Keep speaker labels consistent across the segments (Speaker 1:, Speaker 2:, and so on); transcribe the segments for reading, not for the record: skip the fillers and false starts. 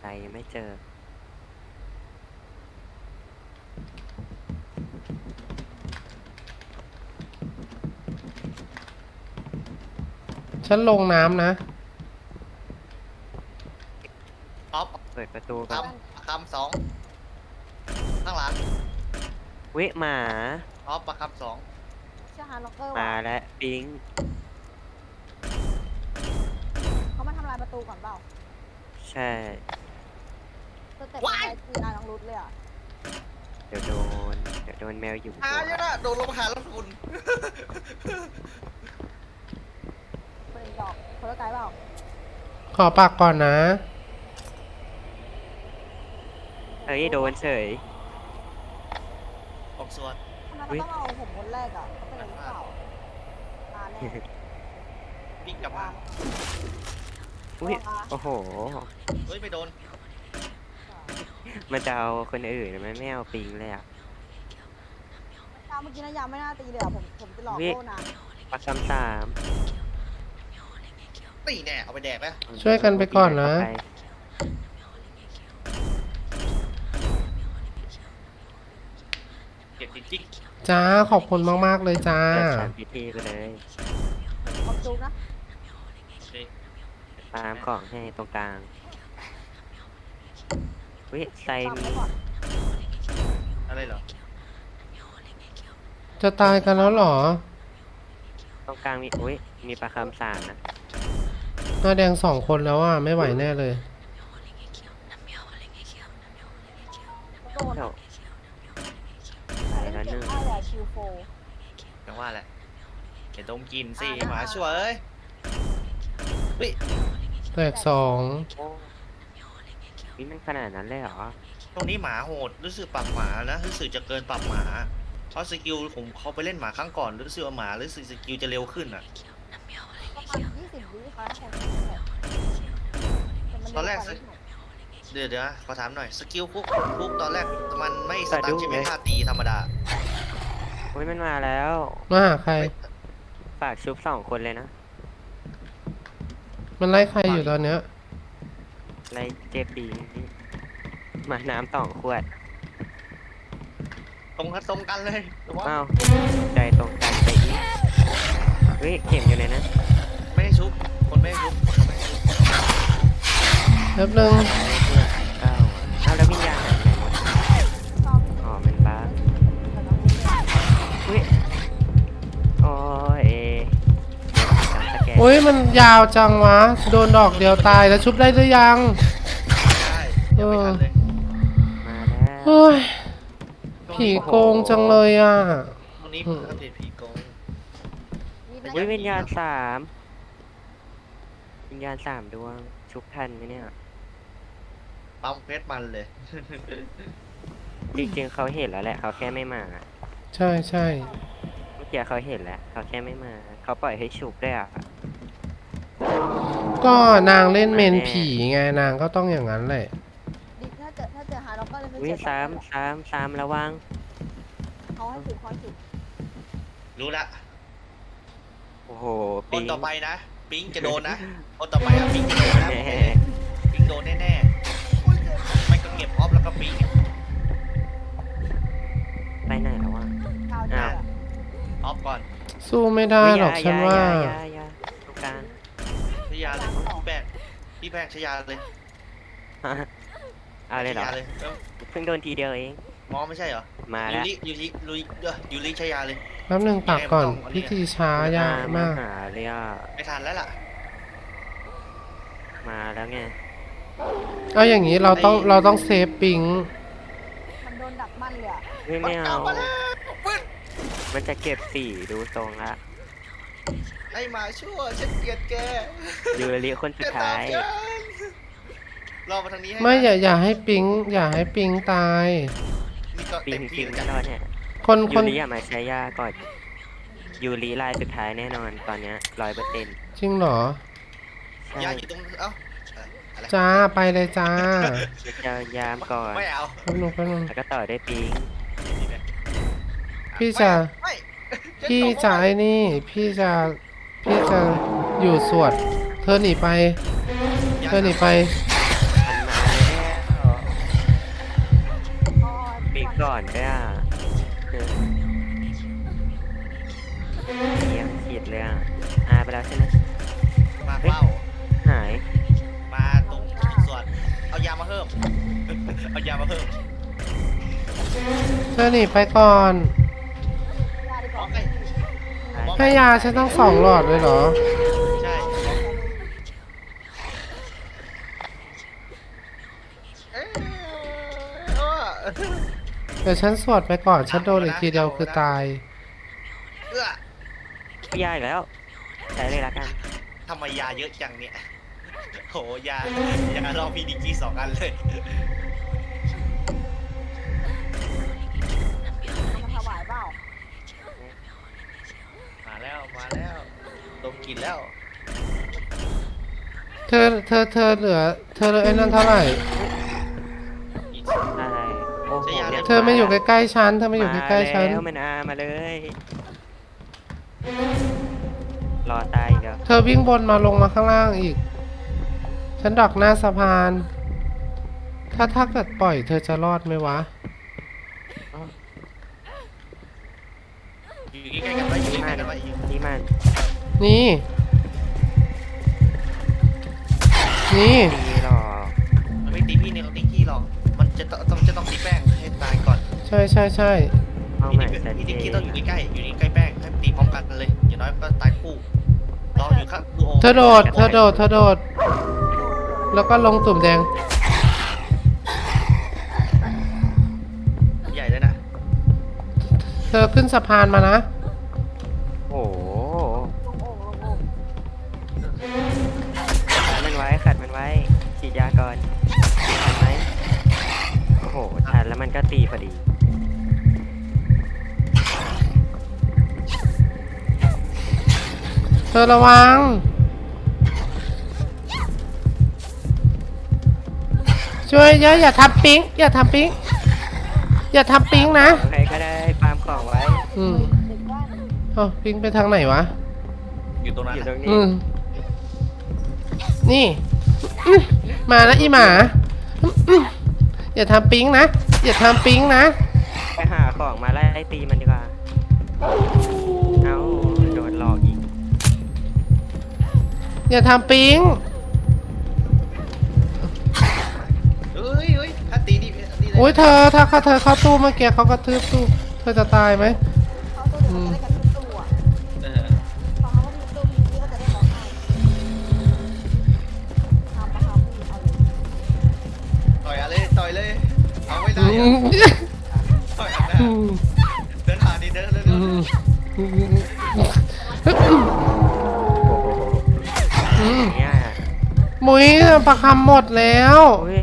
Speaker 1: ยังไม่เจอ
Speaker 2: ฉันลงน้ำนะ
Speaker 3: ออฟ
Speaker 1: เปิดประตู
Speaker 3: ค
Speaker 1: ก่อน
Speaker 3: คำสองข้างหลัง
Speaker 1: วิหมา
Speaker 3: ออฟประคำสอง
Speaker 4: เชื่อฮาร์ล็อกเกอร์
Speaker 1: มา
Speaker 4: ว่ะ
Speaker 1: แล้วปิง
Speaker 4: เขามาทำลายประตูก่อนเปล่า
Speaker 1: ใช่
Speaker 4: สเต็ปอะไรตีอาน้องรุดเลยอ่ะ
Speaker 1: เดี๋ยวโดนแมวอยู่
Speaker 3: หาเยอะนะโดนลงมาหาแล้วคุณ
Speaker 4: คนอีกดอกคนละไกด์เปล่า
Speaker 2: ขอปากก่อนนะ
Speaker 1: เฮ้ยโดนเฉย
Speaker 3: ออกส่วน
Speaker 4: ทำไมเราต้องเอาผมคนแรกอ่ะเขาเป็นอะไรหรือเปล่าตาแน่
Speaker 3: วิ่งกลับมา
Speaker 1: อุ้ยโอ้โห
Speaker 3: เฮ้ยไม่โดน
Speaker 1: มันจะเอาคนอื่นมันไม่เอาปิงเลยอ่ะ
Speaker 4: เมื่อกี้นะยามไม่น่าตีเลยอ่ะผมจะหลอกโลนะ
Speaker 1: ปักคำสาม
Speaker 3: ตีแน่เอาไปแดกไหม
Speaker 2: ช่วยกันไปก่อนนะ
Speaker 3: เก็บจริง
Speaker 2: จ้าขอบคุณมากๆเลยจ้า
Speaker 1: จัดสามพิธีไปเลย
Speaker 4: ขอบจุกนะ
Speaker 1: ตามของให้ตรงกลางวิไซ
Speaker 4: ตาม
Speaker 1: มี
Speaker 4: ไปก่อน
Speaker 3: อะไรเหรอ
Speaker 2: จะตายกันแล้วเหรอ
Speaker 1: ตรงกลางมีอุ้ยมีปลาคำสามนะ
Speaker 2: หน้าแดง2 คนแล้วอ่ะ ไม่ไหวแน่เลย
Speaker 4: โดน
Speaker 1: เดี๋ยว
Speaker 4: ไอ้เก็บได้เลยคิวโฟ
Speaker 3: จังว่าแหละเห็นต้มกินสิหมาช่วยเอ้ยเฮ้ย
Speaker 2: แตก2
Speaker 1: โอ้นี่มันขนาดนั้นเลยเหรอ
Speaker 3: ตรงนี้หมาโหดรู้สึกปรับหมานะรู้สึกจะเกินปรับหมาเพราะสกิลผมเขาไปเล่นหมาครั้งก่อนรู้สึกว่าหมารู้สึกสกิลจะเร็วขึ้นอ่ะ
Speaker 4: ประมาณ20 วิค่ะ
Speaker 3: ตอนแรกเดี๋ยวนะขอถามหน่อยสกิลคุกตอนแรกมันไม่สตาร์ทใช่ไหมท่าตีธรรมดา
Speaker 1: อุ้ยมันมาแล้ว
Speaker 2: มาหาใคร
Speaker 1: ฝากชุบ2 คนเลยนะ
Speaker 2: มันไล่ใครอยู่ตอนเนี้ย
Speaker 1: ไรเจ็บดีมาน้ำ2 ขวด
Speaker 3: ตรงกันเลยแต่ว่า
Speaker 1: อ้าวใจตรงกันไปอีกเฮ้ยเข็มอยู่เลยนะ
Speaker 3: ไม่ได้ชุบคนไม่ได้ชุบคนไม่ได้ชุบ
Speaker 2: แป๊บนึง
Speaker 1: เก้าอ้าวแล้ววิญญาณหายไปไหนหมดอ๋อมันบ้าเฮ้ยโอ้ยจำสแกน
Speaker 2: โอ้ยมันยาวจังวะ โดนดอกเดียวตายแล้วชุบได้หรือยัง
Speaker 3: ได้ยังไม่ทันเลย
Speaker 1: มาแล้ว
Speaker 2: โอ้ย ผีโกงจังเลยอ่ะ
Speaker 3: ตรงนี้ผมอัปเดตผีโกง
Speaker 1: เฮ้ยวิญญาณวิญญาณ3 ดวงชุบทันไหมเนี่ย
Speaker 3: ปั๊มเพชรมันเลย
Speaker 1: จริงๆเขาเห็นแล้วแหละเขาแค่ไม่มา
Speaker 2: ใช่ใช่
Speaker 1: เมื่อกี้เขาเห็นแล้วเขาแค่ไม่มาเขาปล่อยให้ชุบได้วยอ่ะ
Speaker 2: ก็นางเล่นเมนผีไงนางก็ต้องอย่างนั้นแหละ
Speaker 4: ถ้าเจอฮาร์ล็อกเกอร์เลย
Speaker 1: วิซ้ำระวัง
Speaker 4: เขาให้ถือคอยถือ
Speaker 3: รู้ละ
Speaker 1: โอ้โห
Speaker 3: ค
Speaker 1: ปิ
Speaker 3: น
Speaker 1: ง
Speaker 3: ต่อไปนะปิงจะโดนนะคนต่อไปอะปิงจะโดนนะ
Speaker 1: แน่
Speaker 3: ปิงโดนแน่ๆไม่ก็เก็บออฟแล้วก็ปิง
Speaker 1: ไปไหนแล้ววะ
Speaker 4: ข้าวเดียว
Speaker 3: ออฟก่อน
Speaker 2: สู้ไม่ได้หรอกฉันว่า
Speaker 1: ยาตรงกลาง
Speaker 3: ชยาเลยพี่แบงชยาเลย
Speaker 1: เอาเลยเหรอ
Speaker 3: ชยาเลย
Speaker 1: เพิ่งโดนทีเดียวเอง
Speaker 3: มองไม่ใช่เหรอ
Speaker 1: มา
Speaker 3: ยู
Speaker 1: แล้ว
Speaker 3: ริยูริชยาเลย
Speaker 2: แป๊บนึงปากก่อน พิธีช้ายากมาก
Speaker 1: หาเลยอ่ะ
Speaker 3: ไม่ทันแล้วล่ะ
Speaker 1: มาแล้วไง
Speaker 2: เอาอย่างนี้เราต้องเซฟปิง
Speaker 4: มันโดนดักมันเลยอ่ะ
Speaker 1: ไม่เอา
Speaker 3: มาแล้วปึ๊ด
Speaker 1: มันจะเก็บ4ดูทรงละ
Speaker 3: ไอ้หมาชั่วฉันเกลียดแก
Speaker 1: ยูริคนสุดท้าย
Speaker 3: รอมาทางนี้ให้
Speaker 2: ไม่อย่าให้ปิงตาย
Speaker 3: นี่ก็
Speaker 1: ปิ
Speaker 3: เต็
Speaker 1: ง
Speaker 3: ม
Speaker 1: ปิ
Speaker 3: ที่
Speaker 1: ง
Speaker 3: แล้ว
Speaker 1: ไม่
Speaker 3: จ้ะ
Speaker 1: รอดเนี่ย
Speaker 2: คน
Speaker 1: ยูริอย่ามาใช้ยาก่อนยูริลายสุดท้ายแน่นอนตอนเนี้ย100%
Speaker 2: จริงเหรอ
Speaker 1: ใช่
Speaker 3: ยาอยู่ตรงเอ้าอะไร
Speaker 2: จ้าไปเลยจ้า
Speaker 1: จะยามก่อน
Speaker 3: ไม่เอา
Speaker 2: แป๊บนึง
Speaker 1: แล้วก็ต่อด้วยปิง
Speaker 2: พี่จะ
Speaker 3: ไม่
Speaker 2: พี่จะไอ้นี่พี่จะอยู่สวด เธอหนีไป
Speaker 1: มันมาแล้วอนด้วยอ่ะเยี่ยมขีดเลยอ่ะไปแล้วใช่ไหม
Speaker 3: มาเฝ้า
Speaker 1: หาย
Speaker 3: มาตรงส่วนเอายามาเพิ่ม เอายามาเพิ่ม
Speaker 2: เธอหนีไปก่อน
Speaker 4: ยาดีกว่า
Speaker 2: ให้ยาฉันต้อง2 หลอดเลยเหรอ
Speaker 3: ใช่เอ๊ะ
Speaker 2: เดี๋ยวฉันสวดไปก่อน ฉันโดนอีกทีเดียวคือตาย
Speaker 3: เอื้อ
Speaker 1: พี่ยาอีกแล้วใช้เลยละกัน
Speaker 3: ทำไมยาเยอะจังเนี่ยโหยาลองพีดีจี2 อันเลย
Speaker 4: เอามาถวายเปล่า
Speaker 3: มาแล้วดมกลินแล้ว
Speaker 2: เธอเหลือไอ้นั่นเท่าไหร่
Speaker 3: อีก
Speaker 1: อะไรโอ้โห
Speaker 3: ใช้ยา
Speaker 1: นี่
Speaker 2: เธอไม่อยู่ใกล้ๆฉัน เธอไม่อยู่ใกล้ๆฉัน
Speaker 1: มาแล้วมันมาเลย รอตายอีกแล้ว
Speaker 2: เธอวิ่งบนมาลงมาข้างล่างอีก ฉันดักหน้าสะพาน ถ้าเกิดปล่อยเธอจะรอดไหมวะ
Speaker 3: อยู่ใกล้ๆกันไว้อยู่ใกล้ๆกันไว้อยู่
Speaker 1: นี่มัน
Speaker 2: นี่ นี่
Speaker 1: ตีหรอก
Speaker 3: มันไม่ตีพี่เนี่ยเขาตีขี้หรอกมันจะต้องตีแป้งให้ตายก่อน
Speaker 2: ใช่
Speaker 1: เอา
Speaker 3: พี่
Speaker 1: ใหม่
Speaker 3: ดิ
Speaker 1: สัน
Speaker 3: พี่
Speaker 1: เจ
Speaker 3: ดิกี้ต้องอยู่ใกล้ๆอยู่นี่ใกล้แป้งให้ตีพร้อมกันเลยอย่างน้อยก็ตายคู่รออยู่ครับดูโอ
Speaker 2: เธอโดด แล้วก็ลงตุ่มแดง
Speaker 3: ใหญ่เลยนะ
Speaker 2: เธอขึ้นสะพานมานะ
Speaker 1: โอ้โห
Speaker 4: ลงโอ่งลงโอ่ง
Speaker 1: ขัดมันไว้ฉีดยาก่อนทันไหมโอ้โหทันแล้วมันก็ตีพอดี
Speaker 2: เธอระวัง ช่วยอย่าทำปิ๊งอย่าทำปิ๊งนะ
Speaker 1: ใครก็ได้ฟาร์มของไว้
Speaker 2: อืม
Speaker 4: เด็กบ้าน
Speaker 2: ปิ๊งไปทางไหนวะ
Speaker 3: อยู่ตรงนั้น
Speaker 1: อยู่ตรงนี้
Speaker 2: นี่มานะอีหมาอย่าทำปิ๊งนะ
Speaker 1: ไปหาของมาไล่ตีมันดีกว่า เอาโดนหลอกอีก
Speaker 2: อย่าทำปิ๊ง
Speaker 3: เฮ้ยถ้าตีนี่เลย
Speaker 2: โอ้ยเธอถ้าเธอเข้าตู้เมื่อกี้เขาก็ทืบตู้เธอจะตายไหม
Speaker 4: เขาตัวเดี๋ยวมันจะได้กันทุกตัว
Speaker 3: เออ
Speaker 4: พอเขาก็มีตัวมีที่ก็จะได้ร้องไห้ทำนะคะพี่เอาเลย
Speaker 3: ต่อยเลยเอาไม่ได้อะต่อยอันหน้าเดินหาดิเดินเร็ว
Speaker 1: เนี่ย
Speaker 2: มุ้ยประคำหมดแล้ว
Speaker 1: โอ้ย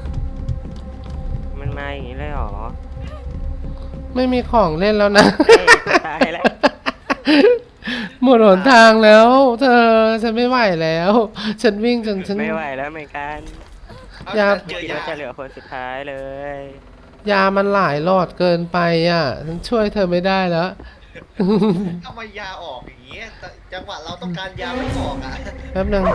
Speaker 1: มันมาอย่างนี้เลยเหรอ
Speaker 2: ไม่มีของเล่นแล้วนะ
Speaker 1: เฮ้ยจะตายแล้ว
Speaker 2: หมดหนทางแล้ว เธอฉันไม่ไหวแล้ว ฉันวิ่งจนฉัน
Speaker 1: ไม่ไหวแล้วเหมือนกัน
Speaker 3: ๆ
Speaker 2: ยา
Speaker 3: เจอ
Speaker 1: คิด
Speaker 3: ยา
Speaker 1: ว่าจะเหลือคนสุดท้ายเลย
Speaker 2: ยามันหลายหลอดเกินไปอ่ะ ฉันช่วยเธอไม่ได้แล้ว
Speaker 3: ทำไมยาออกอย่างเงี้ยจังหวะเราต้องการยาไม่ออกอ่ะ
Speaker 2: แป๊บนึง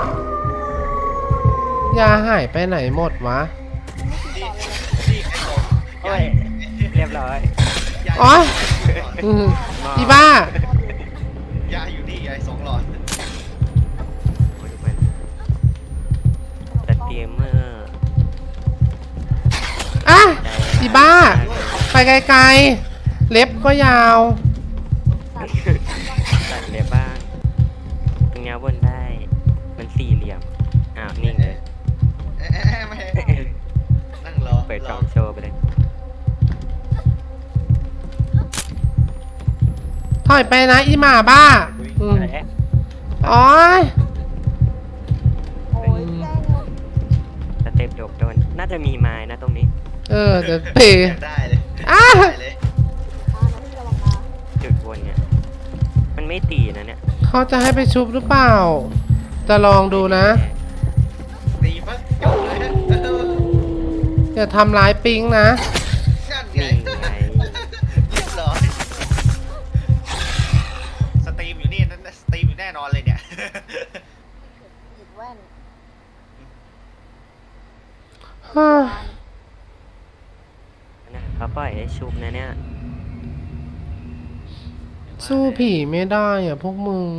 Speaker 2: ยาหายไปไหนหมดวะ
Speaker 3: นี่ไอ้บอก
Speaker 1: โอ้ย เรียบร้อย
Speaker 3: ยา
Speaker 2: อ๋อ อืมอีบ้า
Speaker 3: ยาอยู่นี่ยา2 หลอด
Speaker 1: โอ้ยมันสตรีมเมอร์
Speaker 2: อ่ะอีบ้า ไปไกลๆ เล็บก็ยาว
Speaker 1: ตัดเล็บบ้างตรงเนี้ยบนได้ มัน4 เหลี่ยม อ้าว นิ่งเลย
Speaker 3: ไม่นั่งรอ
Speaker 1: เปิดกล่องโชว์ไปเลย
Speaker 2: ถอยไปนะอีหมาบ้าอืม
Speaker 1: และ
Speaker 2: อ๋อย
Speaker 4: โอ้ยแกล้งเลย
Speaker 1: สเต็ปโดน น่าจะมีไม้นะตรงนี้
Speaker 2: เดี๋ยวเตะ
Speaker 3: อยากได้เลย
Speaker 2: อ่ะ
Speaker 3: ได้เลย
Speaker 4: นะพี่ระวังนะ
Speaker 1: จุดบนเนี่ย มันไม่ตีนะเนี่ย
Speaker 2: เขาจะให้ไปชุบหรือเปล่า จะลองดูนะ
Speaker 3: ตีปั๊บจบเลยนะ
Speaker 2: อย่าทำร้ายปิงนะ
Speaker 3: นั่นไง
Speaker 1: นี่ไง
Speaker 3: เรียบร้อยสตรีมอยู่นี่นั่นสตรีมอยู่แน่นอนเลยเนี่ย
Speaker 4: หยิบแว่น
Speaker 1: นะเขาปล่อยให้ชุบนะเนี่ย
Speaker 2: สู้ผีไม่ได้อ่ะพวกมึง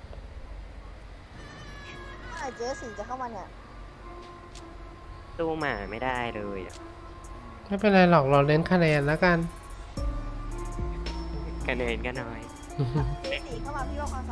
Speaker 4: ไอ้เจ๊สีจะเข้ามาเนี่ย
Speaker 1: สู้หมาไม่ได้เลยอะ
Speaker 2: ไม่เป็นไรหรอกเราเล่นคะแนนแล้วกัน
Speaker 1: คะแนนก็น้อย
Speaker 4: เจ๊สีเข้ามาพี่ว่าความ